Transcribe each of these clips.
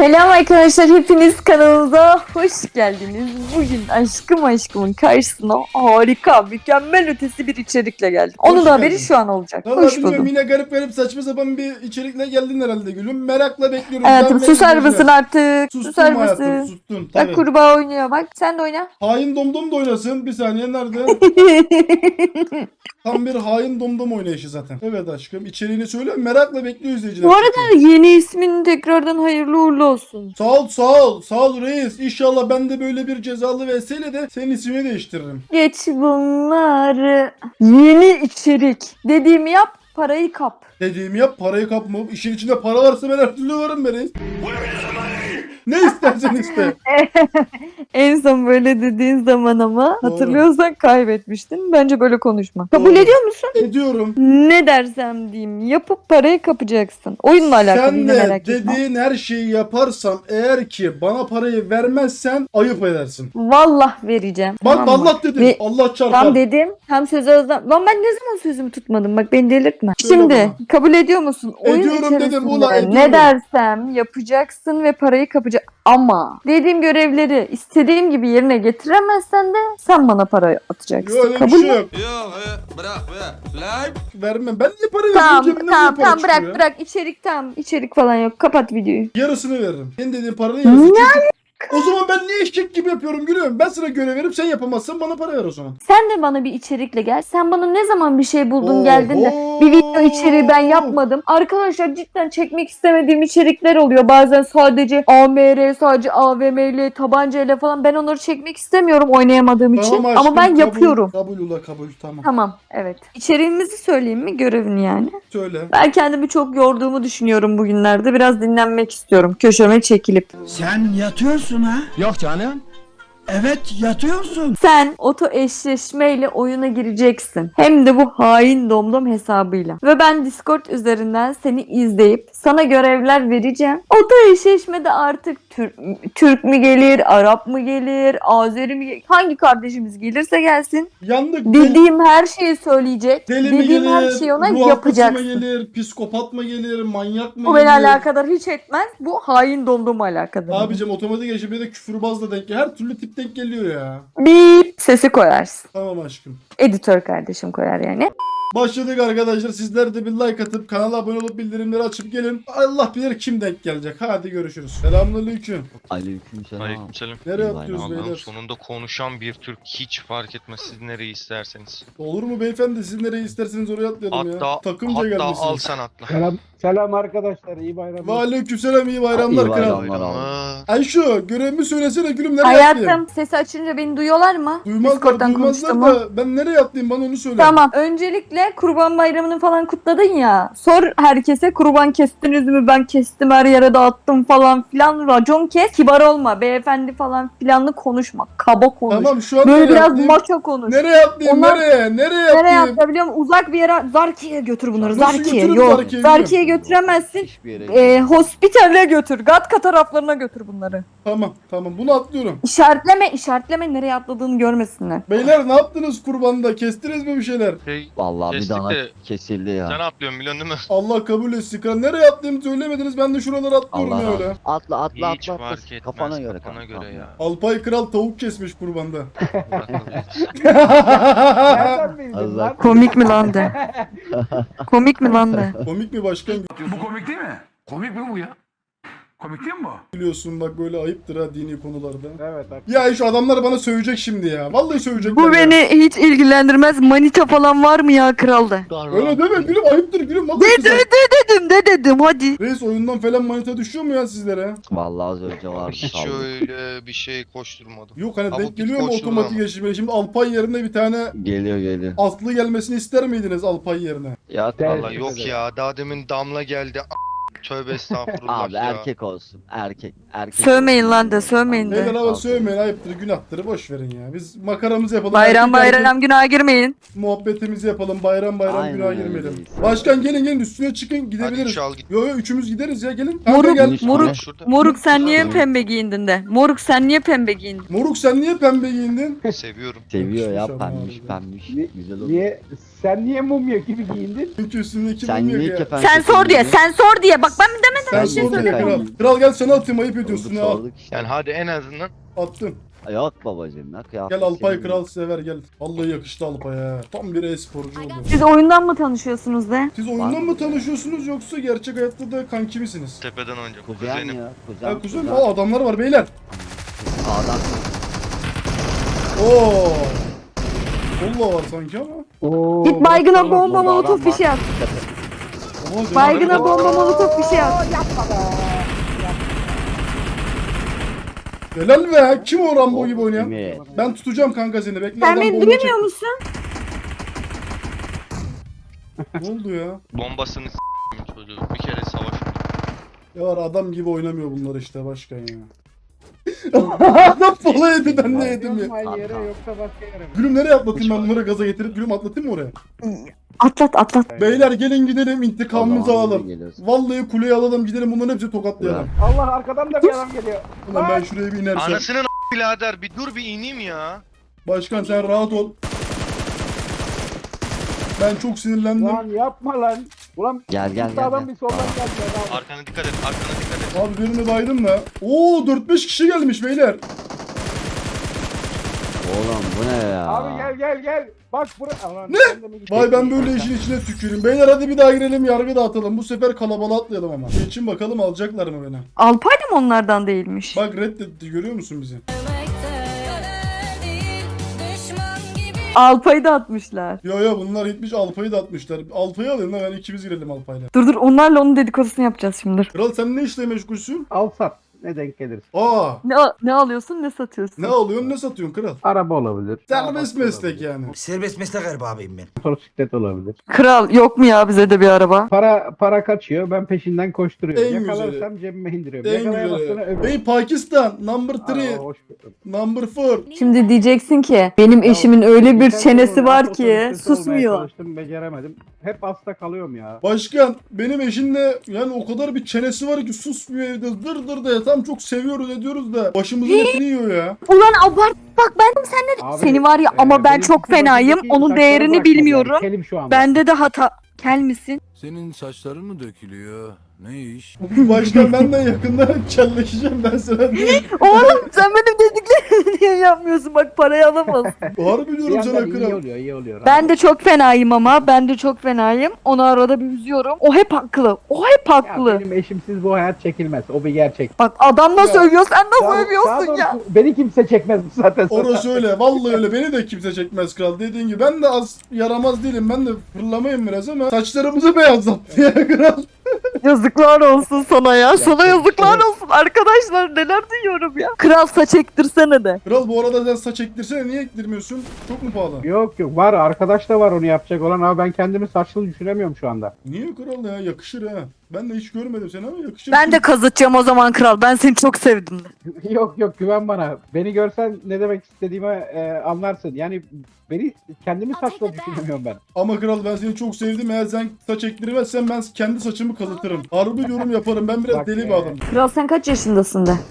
Selam arkadaşlar, hepiniz kanalımıza hoş geldiniz. Bugün aşkımın karşısına harika, mükemmel ötesi bir içerikle geldim. Onun Hoş da haberi geldin. şu an olacak. Vallahi Hoş bilmiyorum, buldum. yine garip saçma sapan bir içerikle geldin herhalde gülüm. Merakla bekliyorum. Hayatım Ben susar izleyiciler. mısın artık? Sustum Susar hayatım, mısın? sustum Bak tabii. kurbağa oynuyor bak. Sen de oyna. Hain domdom da oynasın. Bir saniye, nerede? Tam bir hain domdom oynayışı zaten. Evet aşkım, içeriğini söyle, merakla bekliyor izleyiciler. Bu arada yeni ismin tekrardan hayırlı uğurlu olsun. Sağ ol reis. İnşallah ben de böyle bir cezalı vesileyle de senin ismini değiştiririm. Geç bunları. Yeni içerik. Dediğimi yap, parayı kap. Dediğimi yap, parayı kapma. İşin içinde para varsa ben her türlü varım be reis. Ne istersen iste. En son böyle dediğin zaman ama Doğru. hatırlıyorsan kaybetmiştin. Bence böyle konuşma. Kabul Doğru. ediyor musun? Ediyorum. Ne dersem diyeyim. Yapıp parayı kapacaksın. Oyunla alakalı Sen yine de merak etme. dediğin her şeyi yaparsam, eğer ki bana parayı vermezsen ayıp edersin. Vallah vereceğim. Bak Tamam mı? Allah dedim. Ve- Allah çarpar. Tam dedim. Tam sözü özlem. Lan ben ne zaman sözümü tutmadım? Bak beni delirtme. Söyle Şimdi bana. kabul ediyor musun? Oyun Ediyorum dedim, içerisinde ulan ediyorum. ne dersem yapacaksın ve parayı kapacak. Ama dediğim görevleri istediğim gibi yerine getiremezsen de sen bana parayı atacaksın. Yok, öyle bir kabul şey mü? yok. Yok bırak lan. Vermem. Ben niye para veriyorum? Tamam Cebimden tamam niye para tamam bırak çıkıyor? bırak içerik tamam içerik falan yok kapat videoyu. Yarısını veririm. Senin dediğin paranın yarısı. Çünkü o zaman ben niye eşek gibi yapıyorum gülüyorum? Ben sana görev verip sen yapamazsan bana para ver o zaman. Sen de bana bir içerikle gel. Sen bana ne zaman bir şey buldun Oo, geldin de bir video içeriği ben yapmadım. Arkadaşlar cidden çekmek istemediğim içerikler oluyor. Bazen sadece AMR, sadece AVM ile, tabanca ile falan. Ben onları çekmek istemiyorum oynayamadığım için. Tamam Ama aşkım, ben kabul, yapıyorum. Kabul ula kabul, tamam. Tamam evet. İçeriğimizi söyleyeyim mi? Görevini yani. Söyle. Ben kendimi çok yorduğumu düşünüyorum bugünlerde. Biraz dinlenmek istiyorum. Köşeme çekilip. Sen yatıyorsun ha? Yok canım. Evet yatıyorsun. Sen oto eşleşmeyle oyuna gireceksin. Hem de bu hain domdom hesabıyla. Ve ben Discord üzerinden seni izleyip sana görevler vereceğim. Oto eşleşmede artık Türk mü gelir, Arap mı gelir, Azeri mi gelir? Hangi kardeşimiz gelirse gelsin. Yandık. Bildiğim her şeyi söyleyecek. Deli mi Dediğim her gelir? şeyi ona Ruh hastası mı yapacaksın. gelir? Psikopat mı gelir? Manyak mı Bu gelir? beni alakadar hiç etmez. Bu hain domdom alakadar. Abicim otomatik erişimde de küfürbazla denk geliyor. Her türlü tip denk geliyor ya. Bip sesi koyarsın. Tamam aşkım. Editör kardeşim koyar yani. Başladık arkadaşlar. Sizler de bir like atıp kanala abone olup bildirimleri açıp gelin. Allah bilir kim denk gelecek. Hadi görüşürüz. Selamünaleyküm. Aleykümselam. Aleykümselam. Nereye İyi atlıyoruz bayramlar. beyler? Sonunda konuşan bir Türk hiç fark etmez siz nereyi isterseniz. Olur mu beyefendi? Siz nereye isterseniz oraya atlayalım ya. Hatta Takımca al gelmişsiniz. sen atla. Selam arkadaşlar, iyi bayramlar. Ve aleykümselam, iyi bayramlar İyi kral. bayramlar. Aa, Ayşo, görevimi söylesene gülüm, nereye atlayayım? Hayatım sesi açınca beni duyuyorlar mı? Duymazlar Discord'dan duymazlar konuştuğumu. da ben nereye atlayayım, bana onu söyle. Tamam. Öncelikle Kurban Bayramı'nı falan kutladın ya. Sor herkese kurban kestiniz mi? Ben kestim, her yere dağıttım falan filan. Racon kes. Kibar olma. Beyefendi falan filanlı konuşma. Kaba konuş. Tamam, şu an Böyle nereye biraz atlayayım? maço konuş. Nereye atlayayım? Onlar- Nereye Nereye atlayayım? atlayabiliyor musun? Uzak bir yere. Zarki'ye götür bunları. Nasıl Zarki'ye. götürürüm Yok. Zarkiye'yi? Zarki'ye götüremezsin. Hiçbir yere Hospitale götür. Gatka taraflarına götür bunları. Tamam, bunu atlıyorum. İşaretleme nereye atladığını görmesinler. Beyler, ne yaptınız kurbanda? Kestiniz mi bir şeyler? Vallahi bir Kestik dana de kesildi sen ya. atlıyorsun biliyorsun değil mi? Allah kabul etsin kral. Nereye atlayayım söylemediniz, ben de şuralara atlıyorum Allah ya razı öyle. olsun. Atla Hiç atla. fark etmez. Kafana göre Kafana kanka. göre ya. Alpay kral tavuk kesmiş kurbanda. Nereden bildin Allah lan? Komik mi lan de? Komik mi lan de? Komik mi başkan? Bu komik değil mi? Komik mi bu ya? Komik değil mi bu? Biliyorsun bak, böyle ayıptır ha dini konularda. Evet bak. Ya şu adamlar bana sövecek şimdi ya. Vallahi sövecekler Bu ya. beni hiç ilgilendirmez. Manita falan var mı ya kralda? Öyle deme gülüm, ayıptır gülüm. Vallahi De güzel. dedim hadi. Reis, oyundan falan manita düşüyor mu ya sizlere? Vallahi az önce vardı. Hiç saldı. öyle bir şey koşturmadım. Yok hani Ama denk bir geliyor mu koşturma otomatik ama. geçişmeli? Şimdi Alpay yerine bir tane Geliyor. Aslı gelmesini ister miydiniz Alpay yerine? Ya Evet. Valla yok ya daha demin Damla geldi. Tövbe estağfurullah abi ya. erkek olsun. Erkek. Sövmeyin lan de, sövmeyin de. Beyler ama sövmeyin, ayıptır, günahtır, boş verin ya. Biz makaramızı yapalım. Bayram erkek erkek günaha girmeyin. muhabbetimizi yapalım. Bayram Aynen günaha öyle girmeyelim. reis. Başkan gelin üstüne çıkın, Hadi gidebiliriz. çal git. Yo üçümüz gideriz ya, gelin. Moruk, Kanka gel. moruk. Şurada. Moruk sen niye Moruk. pembe giyindin de? Moruk sen niye pembe giyindin? Moruk sen niye pembe giyindin? Seviyor Yakışmış ya ama pembiş abi. pembiş. Ni- Güzel olur. Niye Sen niye mumya gibi giyindin? Çünkü üstündeki Sen bilmiyor niye ya. kefen Sen sor diye, sen sor diye. Bak ben demedim. Sen Ben sor niye diye kefen kral. giydim? Kral gel sana atayım, ayıp ediyorsun ya. Sorduk işte. Yani hadi en azından Attım. Yok babacım ya kıyafet. Gel Alpay senin. kral sever gel. Vallahi yakıştı Alpay'a. Tam bir e-sporcu oldu. Siz oyundan mı tanışıyorsunuz de? Siz oyundan mı tanışıyorsunuz yoksa gerçek hayatta da kanki misiniz? tepeden oynayacağım. Kuzen Kuzenim. ya. Kuzen. Ha kuzen. Aa adamlar var beyler. Sağdan. Oo. Kolla var sanki ama. Oo, Git baygına bak, bomba bak, molotof bir şey at. Ama benim- Baygına bomba molotof bir şey at. Helal be. Kim o Rambo gibi oynayan? Evet. Ben tutacağım kanka seni. Bekle Sen adam beni bomba duymuyor çekti. musun? Ne oldu ya? Bombasını s**eyim çocuğu. Bir kere savaş. Ya var adam gibi oynamıyor bunlar işte başkan ya. Adam pola yedi ben ne yedim ya. Aynı yere yoksa başka yere mi? Gülüm nereye atlatayım ben bunları gaza getirip Gülüm atlatayım mı oraya? Atlat atlat. Beyler gelin gidelim intikamımızı Allah'ım alalım. geliyorsun. Vallahi kuleye alalım gidelim bunların hepsini tokatlayalım. Allah arkadan da bir adam geliyor. Ulan ben şuraya bir inersem. Anasının birader bir dur bir ineyim ya. Başkan sen rahat ol. Ben çok sinirlendim. Lan yapma lan. Ulan Gel, gel, bir gel, sağdan gel. bir soldan geldi. Arkana dikkat et, arkana dikkat et. Abi birini baydım da. Oo 4-5 kişi gelmiş beyler. Oğlum bu ne ya? Abi gel. Bak buraya. Ne? Vay ben böyle işin içine tüküreyim. Beyler hadi bir daha girelim yargı dağıtalım. Bu sefer kalabalığa atlayalım ama. Geçin bakalım alacaklar mı beni? Alpay da mı onlardan değilmiş? Bak reddetti görüyor musun bizi? Alpay'ı da atmışlar. Yo bunlar gitmiş Alpay'ı da atmışlar. Alpay'ı alayım da ben ikimiz girelim Alpay'la. Dur onlarla onun dedikodusunu yapacağız şimdi. Kral sen ne işle meşgulsün? Al sat. Ne denk gelirse. Aa Ne alıyorsun ne satıyorsun? ne alıyorsun ne satıyorsun kral? Araba olabilir. Serbest meslek yani. Serbest meslek erbabıyım ben. Motosiklet olabilir. Kral yok mu ya bize de bir araba? Para kaçıyor. Ben peşinden koşturuyorum. En Yakalarsam cebime indiriyorum. En Yakalayamazsam güzeli. öbür. Bey Pakistan number 3, Aa, hoş bulduk. number 4. Şimdi diyeceksin ki benim eşimin öyle bir Geçen çenesi sene var otobüs ki sesi olmaya susmuyor. Çalıştım, beceremedim. Hep hasta kalıyorum ya. Başkan benim eşinle yani o kadar bir çenesi var ki susmuyor evde dır da ya tam çok seviyoruz ediyoruz da başımızın etini yiyor ya. Ulan abart bak ben seninle Abi, seni var ya ama ben benim çok kızım fenayım. öteki Onun saçları değerini bırakmadı bilmiyorum. yani, kelim şu anda. Bende de hata. Kel misin? Senin saçların mı dökülüyor? Ne iş? Başkan ben de yakında kelleşeceğim ben sana diyeyim. Oğlum sen benim dediklerimi niye yapmıyorsun? Bak parayı alamazsın. Harbi Bir diyorum sana yandan iyi kral. oluyor, iyi oluyor. Ben de çok fenayım ama. Ben de çok fenayım. Onu arada bir üzüyorum. O hep haklı. O hep Ya haklı. benim eşimsiz bu hayat çekilmez. O bir gerçek. Bak adam nasıl Ya. övüyor sen nasıl Sağ- övüyorsun sağdan ya? Beni kimse çekmez zaten. Orası öyle. Vallahi öyle. Beni de kimse çekmez kral. Dediğin gibi ben de az yaramaz değilim. Ben de fırlamayayım biraz ama saçlarımızı beyazlattı ya kral. Yazıklar olsun sana ya. Sana Gerçekten. yazıklar olsun. Arkadaşlar neler duyuyorum ya. Kral saç ektirsene de. Kral bu arada sen saç ektirsene niye ektirmiyorsun? Çok mu pahalı? Yok var arkadaş da var onu yapacak olan ama ben kendimi saçlı düşünemiyorum şu anda. Niye kral ya? Yakışır ha. Ben de hiç görmedim seni ama yakışır. Ben de kazıtacağım o zaman kral. Ben seni çok sevdim de. Yok güven bana. Beni görsen ne demek istediğimi anlarsın. Yani beni kendimi saçlı düşünemiyorum ben. Ama kral ben seni çok sevdim. Eğer sen saç ektirmezsen ben kendi saçımı kazıtırım. Harbi yorum yaparım. Ben biraz Bak deli ya. bir adamım. Kral sen kaç yaşındasın de.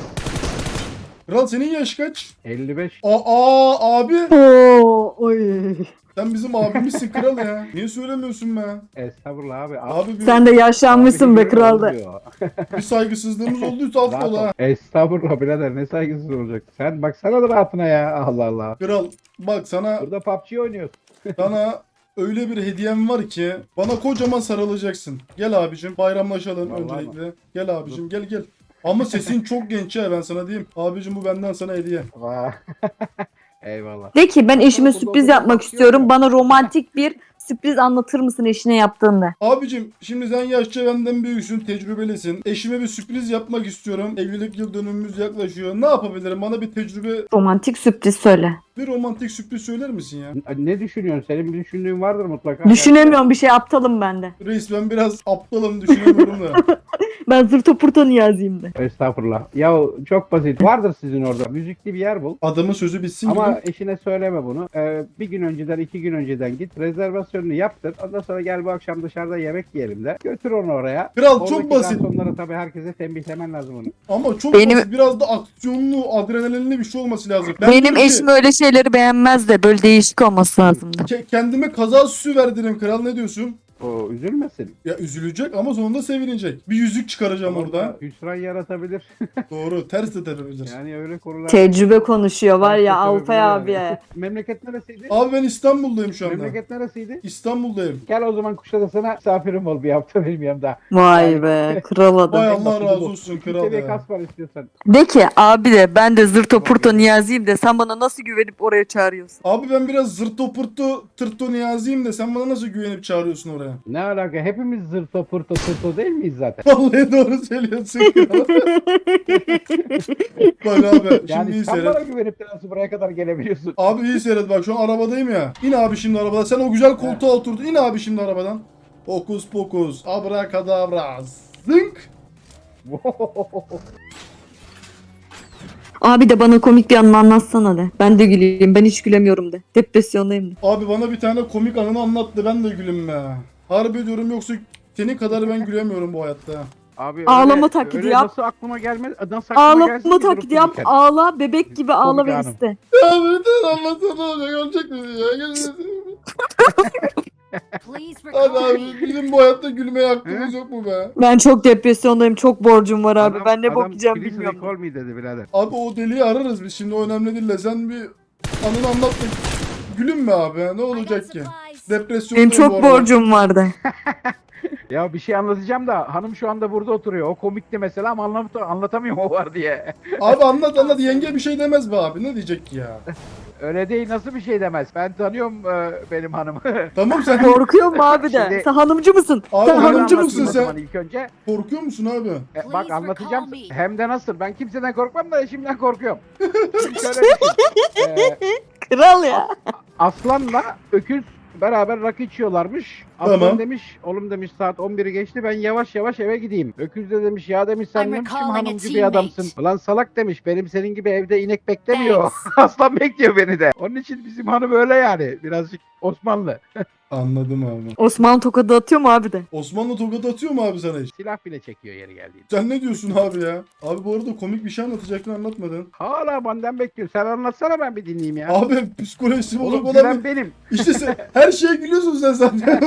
Kral senin yaş kaç? 55. Abi. Oo, oy. Sen bizim abimizsin kral ya. Niye söylemiyorsun be? Estağfurullah abi. Abi bir, Sen de yaşlanmışsın be Abi, kral da. olmuyor. bir saygısızlığımız olduysa Rahat affola ol. ha. Estağfurullah birader ne saygısız olacak. Sen baksana da rahatına ya. Allah Allah. Kral bak sana Burada PUBG oynuyorsun. öyle bir hediyem var ki bana kocaman sarılacaksın. Gel abicim bayramlaşalım Vallahi öncelikle. Gel abicim gel. Ama sesin çok genç ya ben sana diyeyim. Abicim bu benden sana hediye. Vay. Eyvallah. De ki ben eşime Burada sürpriz oturup yapmak bakıyor istiyorum. ya. Bana romantik bir sürpriz anlatır mısın eşine yaptığında? Abicim şimdi sen yaşça benden büyüksün, tecrübelisin. Eşime bir sürpriz yapmak istiyorum. Evlilik yıl dönümümüz yaklaşıyor. Ne yapabilirim? Bana bir tecrübe, Romantik sürpriz söyle. bir romantik sürpriz söyler misin ya? Ne düşünüyorsun? Senin bir düşündüğün vardır mutlaka. Düşünemiyorum bir şey aptalım ben de. Reis ben biraz aptalım düşünemiyorum da. Ben zırto pırto niyaziyim de. Estağfurullah. Ya çok basit. Vardır sizin orada. Müzikli bir yer bul. Adamın sözü bitsin Ama gibi. eşine söyleme bunu. Bir gün önceden, 2 gün önceden git. Rezervasyonunu yaptır. Ondan sonra gel bu akşam dışarıda yemek yiyelim de. Götür onu oraya. Kral çok Oradaki basit. garsonlara tabii herkese tembihlemen lazım onu. Ama çok Benim- basit. Biraz da aksiyonlu, adrenalinli bir şey olması lazım. Ben Benim diyorum ki, eşim öyle şeyleri beğenmez de böyle değişik olması lazımdı. kendime kaza süsü verdireyim kral, ne diyorsun? O üzülmesin. Ya üzülecek ama sonunda sevinecek. Bir yüzük çıkaracağım orada. Hüsran yaratabilir. Doğru, ters de tepebilir. Yani öyle konular. Tecrübe konuşuyor var ya Tabii, Alpay yani. abiye. Memleket neresiydi? Abi ben İstanbul'dayım şu anda. Memleket neresiydi? İstanbul'dayım. Gel o zaman Kuşadası'na misafirim ol bir hafta benim yanımda. Vay be kral Vay adam. Allah basiti razı bu. olsun İkinci kral seviye ya. kas var istiyorsan. De ki abi de ben de zırto pırto niyaziyim de sen bana nasıl güvenip oraya çağırıyorsun? Abi ben biraz zırto pırto tırto niyaziyim de sen bana nasıl güvenip çağırıyorsun oraya? Ne alaka? Hepimiz zırto pırto tırto değil miyiz zaten? Vallahi doğru söylüyorsun kral. Bak abi şimdi Yani iyi sen seyret. bana güvenip de nasıl buraya kadar gelebiliyorsun? Abi iyi seyret bak, şu an arabadayım ya. İn abi şimdi arabadan. Sen o güzel koltuğa oturdun. İn abi şimdi arabadan. Hokus pokus. Abrakadabra. Zınk. Abi de bana komik bir anını anlatsana de. Ben de güleyim. Ben hiç gülemiyorum de. Depresyondayım de. Abi bana bir tane komik anını anlattı. Ben de gülüm be. Harbi diyorum, yoksa senin kadar ben gülemiyorum bu hayatta. Abi Ağlama taklidi öyle yap. Nasıl aklıma gelmez? Nasıl aklıma gelsin Ağlama ki durup taklidi yap. dururken? Ağla. Bebek gibi ağla ve anım. iste. Ya bir tane anlatsana olacak. Ölecek misin ya? Hadi abi bizim bu hayatta gülmeye hakkımız yok mu be? Ben çok depresyondayım. Çok borcum var abi. Ben ne bakacağım please bilmiyorum. recall me dedi birader. Abi o deliği ararız biz şimdi, o önemli değil de sen bir anını anlat da gülüm be abi, ne olacak ki? Depresyondayım Benim bu çok arada. borcum vardı. Ya bir şey anlatacağım da hanım şu anda burada oturuyor. O komikti mesela ama anlatamıyorum o var diye. Abi anlat yenge bir şey demez be abi, ne diyecek ki ya? Öyle değil, nasıl bir şey demez. Ben tanıyorum benim hanımı. Tamam sen Korkuyor mu abi de? Şimdi- Sen hanımcı mısın? Abi Sen hanımcı hanımcı mısın mısın? sen? Zaman ilk önce. korkuyor musun abi? Bak anlatacağım. Hem de nasıl. Ben kimseden korkmam da eşimden korkuyorum. Şimdi şöyle düşün. Kral ya. Aslanla öküz beraber rakı içiyorlarmış. Aslan Tamam. demiş, oğlum demiş saat 11'i geçti, ben yavaş yavaş eve gideyim. Öküz de demiş, ya demiş sen I'm ne biçim recalling a hanımcı bir teammate. adamsın. Ulan salak demiş, benim senin gibi evde inek beklemiyor. Aslan bekliyor beni de. Onun için bizim hanım öyle yani, birazcık Osmanlı. Anladım abi. Osman tokadı atıyor mu abi de? Osmanlı tokat atıyor mu abi sana hiç? Silah bile çekiyor yeri geldiğinde. Sen ne diyorsun abi ya? Abi bu arada komik bir şey anlatacaktın, anlatmadın. Hala benden bekliyor. Sen anlatsana ben bir dinleyeyim ya. Abi psikolojisi bozuk Oğlum olan gülen benim. İşte sen her şeye gülüyorsun sen zaten.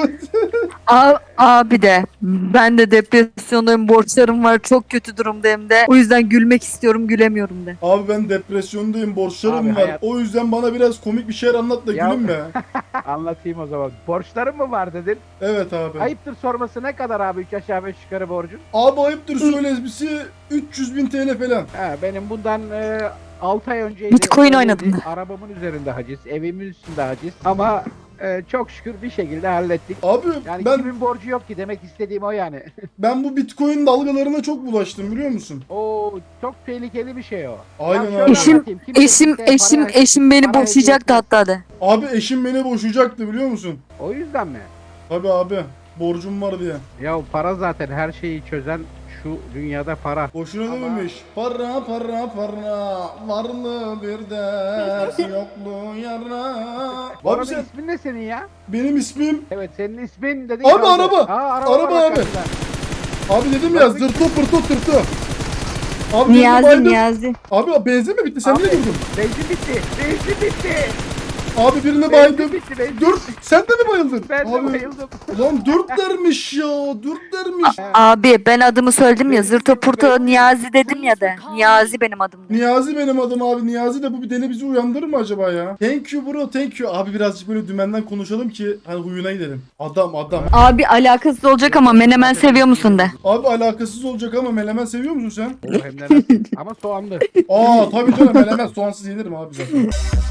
Abi de ben de depresyondayım, borçlarım var, çok kötü durumdayım de. O yüzden gülmek istiyorum, gülemiyorum de. Abi ben depresyondayım, borçlarım Abi var. hayat- O yüzden bana biraz komik bir şeyler anlat da Ya- gülüm be. Anlatayım o zaman. Borçların mı var dedin? Evet abi. Ayıptır sorması, ne kadar abi 3 aşağı 5 yukarı borcun? Abi ayıptır söylesmesi 300.000 TL falan. Ha, benim bundan 6 ay önceydi. Bitcoin Öyleydi. oynadım da. Arabamın üzerinde haciz, evimin üstünde haciz. Ama çok şükür bir şekilde hallettik. Abi Yani ben kimin borcu yok ki, demek istediğim o yani. bu Bitcoin dalgalarına çok bulaştım, biliyor musun? O çok tehlikeli bir şey o. Aynen Ben şöyle abi. anlatayım. Kimse kimseye Eşim beni para boşayacaktı hediye hatta de. Abi eşim beni boşayacaktı, biliyor musun? O yüzden mi? Tabii abi, borcum var diye. Ya para zaten her şeyi çözen şu dünyada para. Boşuna Ama- dememiş. Para para para, varlığı bir ders, yokluğu yara. Bu Abi arada sen, ismin ne senin ya? benim ismim. Evet, senin ismin dedik. Abi araba. Araba Araba var abi. arkasında. Abi dedim ya, zırto pırto tırtı. Abi birini Niyazi baydım. Niyazi. Abi benzin mi bitti? Sen Abi, niye durdun? Benzin bitti. Benzin bitti. Abi birini Benzin baydım. bitti. Benzin. Dur, sen de mi bayıldın? Ben de Abi, bayıldım. ulan 4 dermiş ya, 4 dermiş. Abi ben adımı söyledim ya, zırto purto Niyazi dedim ya de. Niyazi benim adım de. Niyazi benim adım abi. Niyazi de bu bir deli bizi uyandırır mı acaba ya? Thank you bro, thank you. Abi birazcık böyle dümenden konuşalım ki hani huyuna gidelim. Adam. Abi alakasız olacak ama menemen seviyor musun de. Abi alakasız olacak ama melemen seviyor musun sen? Hem de nasıl? Ama soğanlı. Aa tabii canım, melemen soğansız yenirim abi zaten.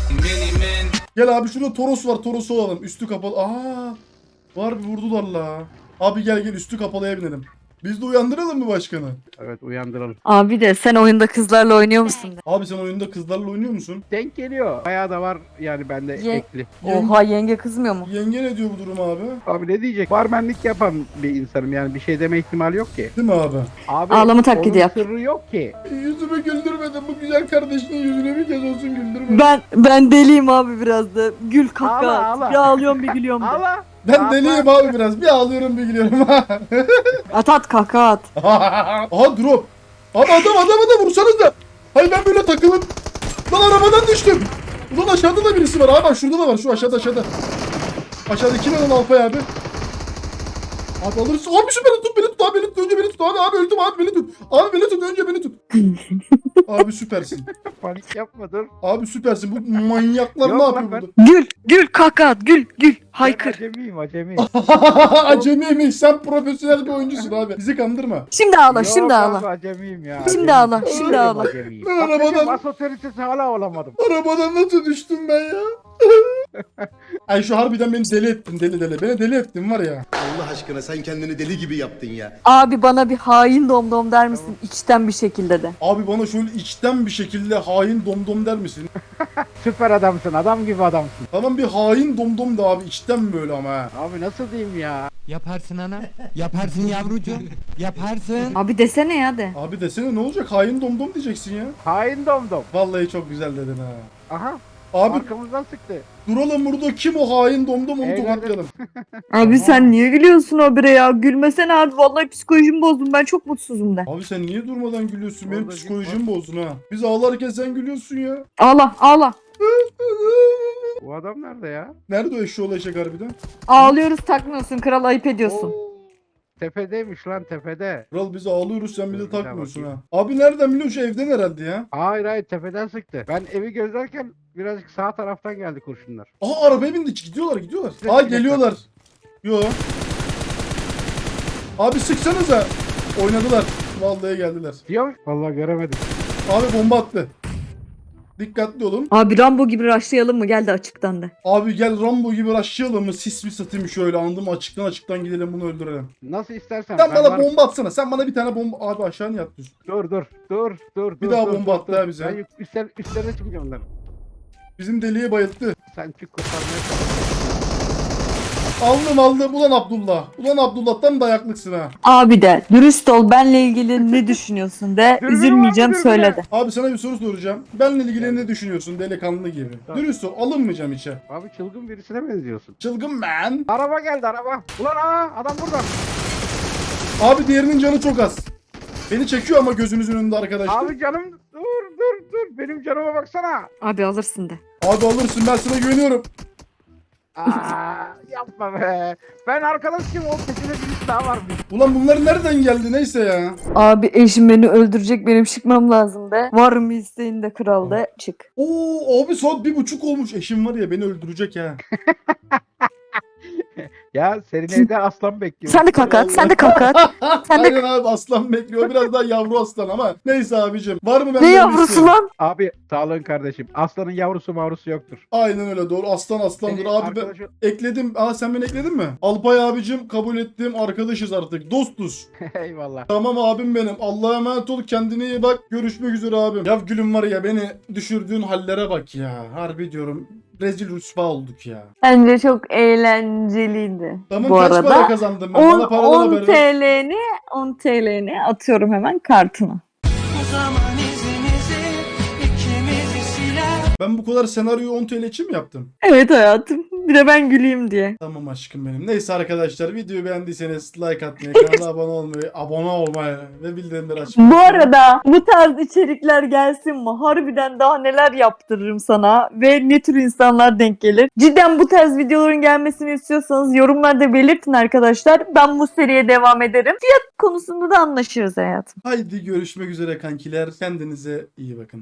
Gel abi, şurada Toros var, Toros'u alalım. Üstü kapalı. Aa, var bir vurdular la. Abi gel üstü kapalıya binelim. Biz de uyandıralım mı başkanı? Evet uyandıralım. Abi de sen oyunda kızlarla oynuyor musun de. Abi sen oyunda kızlarla oynuyor musun? Denk geliyor. Bayağı da var yani bende Ye- ekli. Oha yenge kızmıyor mu? Yenge ne diyor bu durum abi? Abi ne diyecek? Barmenlik yapan bir insanım yani bir şey deme ihtimali yok ki. Değil mi abi? Abi Ağlama taklidi onun yap. sırrı yok ki. Yüzümü güldürmedin. Bu güzel kardeşinin yüzüne bir kez olsun güldürmedin. Ben deliyim abi biraz da. Gül kaka. Ağla, at. ağla. Bir ağlıyorum bir gülüyorum de. Allah. Ben deliyim abi biraz. Bir ağlıyorum bir gülüyorum. At kaka at. Aha drop. Abi adam vursanız da. Hayır ben böyle takılıp. Lan arabadan düştüm. Ulan aşağıda da birisi var. Abi bak şurada da var. Şu aşağıda. Aşağıda kim lan Alpay abi? Abi alırız. Abi şu beni tut abi beni tut önce beni tut abi öldüm abi beni tut. Abi beni tut önce beni tut. Abi süpersin. Panik yapma dur. Abi süpersin. Bu manyaklar Yok ne lan yapıyor ben- burada? Gül kaka at. Gül. Haykır. Ben acemiyim. Acemiymiş. Sen profesyonel bir oyuncusun abi. Bizi kandırma. Şimdi ağla Yok şimdi abi, ağla. acemiyim ya. Şimdi ağla, şimdi ağla. Acemiyim. Ben Bak arabadan- dedim, As otoritesi hala olamadım. Arabadan nasıl düştüm ben ya? Ay şu harbiden beni deli ettin deli. Beni deli ettin var ya. Allah aşkına sen kendini deli gibi yaptın ya. Abi bana bir hain domdom der misin? İçten bir şekilde de. Abi bana şöyle içten bir şekilde hain domdom der misin? Süper adamsın. Adam gibi adamsın. Tamam bir hain domdom da abi içten böyle ama ha. Abi nasıl diyeyim ya? Yaparsın ana. Yaparsın yavrucuğum. Yaparsın. Abi desene ya de. Abi desene ne olacak hain domdom diyeceksin ya. Hain domdom. Vallahi çok güzel dedin ha. Aha. Abi Arkamızdan sıktı. duralım burada kim o hain domdom onu Eyvallah. tokatlayalım. Abi sen niye gülüyorsun o bire ya? Gülmesene abi. Vallahi psikolojimi bozdum. Ben çok mutsuzum de. Abi sen niye durmadan gülüyorsun? Benim Orada psikolojimi bozdun ha. Biz ağlarken sen gülüyorsun ya. Ağla. Bu adam nerede ya? Nerede o eşşoğlu eşek harbiden? Ağlıyoruz takmıyorsun. Kral ayıp ediyorsun. Oo, tepedeymiş lan tepede. Kral biz ağlıyoruz sen bize Dur, bir daha takmıyorsun ha. bakayım. Abi nereden biliyorsun şu evden herhalde ya. Hayır tepeden sıktı. Ben evi gözlerken birazcık sağ taraftan geldi kurşunlar. Aha arabaya bindi gidiyorlar. Bir Aa dakika. geliyorlar. Yo. Abi sıksanıza. Oynadılar. Vallahi geldiler. Diyor. Vallahi göremedim. Abi bomba attı. Dikkatli olun. Abi Rambo gibi raşlayalım mı? Geldi açıktan da. Abi gel Rambo gibi rushlayalım mı? Sis mi satayım şöyle anladım açıktan gidelim bunu öldürelim. Nasıl istersen. Sen ben bana varım. bomba atsana. Sen bana bir tane bomba. Abi aşağı niye atlıyorsun? Dur. Bir daha bomba attı ha bize. Ben üstlerine çıkacağım onların. Bizim deliği bayılttı. Sen çık kurtarmaya çalış. Aldım. Ulan Abdullah'tan dayaklıksın ha. Abi de dürüst ol. Benle ilgili ne düşünüyorsun de. Dürbünü Üzülmeyeceğim var mı, söyle dürbünü? de. Abi sana bir soru soracağım. Benle ilgili ne düşünüyorsun delikanlı gibi? Tamam. Dürüst ol. Alınmayacağım içe. Abi çılgın birisine benziyorsun. Çılgın man. Araba geldi araba. Ulan adam burada. Abi diğerinin canı çok az. Beni çekiyor ama gözünüzün önünde arkadaşlar. Abi canım dur. Benim canıma baksana. Abi alırsın de. Abi alırsın ben sana güveniyorum. Yapma be. Ben arkadaşım o peşine birisi daha varmış. Ulan bunlar nereden geldi neyse ya. Abi eşim beni öldürecek. Benim çıkmam lazım de. Var mı isteğin de kral de. Çık. Oo abi saat 1:30 olmuş. Eşim var ya beni öldürecek ha. Ya senin evde aslan bekliyor. Sen de kakat. Sen de kakat. Sen de Aynen abi aslan bekliyor. Biraz daha yavru aslan ama. Neyse abicim. Var mı benden ne bir yavrusu isteğin? lan? Abi sağlığın kardeşim. Aslanın yavrusu mavrusu yoktur. Aynen öyle doğru. Aslan aslandır. Senin Abi ben arkadaşın- ekledim. Aa sen beni ekledin mi? Alpay abicim kabul ettim. Arkadaşız artık. Dostuz. Eyvallah. Tamam abim benim. Allah'a emanet ol. Kendine iyi bak. Görüşmek üzere abim. Ya gülüm var ya beni düşürdüğün hallere bak ya. Harbi diyorum. Rezil rüsva olduk ya. Bence çok eğlenceliydi. Tamam Bu kaç para arada kazandım ben? Bana paradan 10 haber ver. 10 TL'ni atıyorum hemen kartına. Ben bu kadar senaryoyu 10 TL için mi yaptım? Evet hayatım. Bir de ben güleyim diye. Tamam aşkım benim. Neyse arkadaşlar videoyu beğendiyseniz like atmayı, kanala abone olmayı ve bildirimleri açmayı. Bu arada bu tarz içerikler gelsin mi? Harbiden daha neler yaptırırım sana ve ne tür insanlar denk gelir? Cidden bu tarz videoların gelmesini istiyorsanız yorumlarda belirtin arkadaşlar. Ben bu seriye devam ederim. Fiyat konusunda da anlaşırız hayatım. Haydi görüşmek üzere kankiler. Kendinize iyi bakın.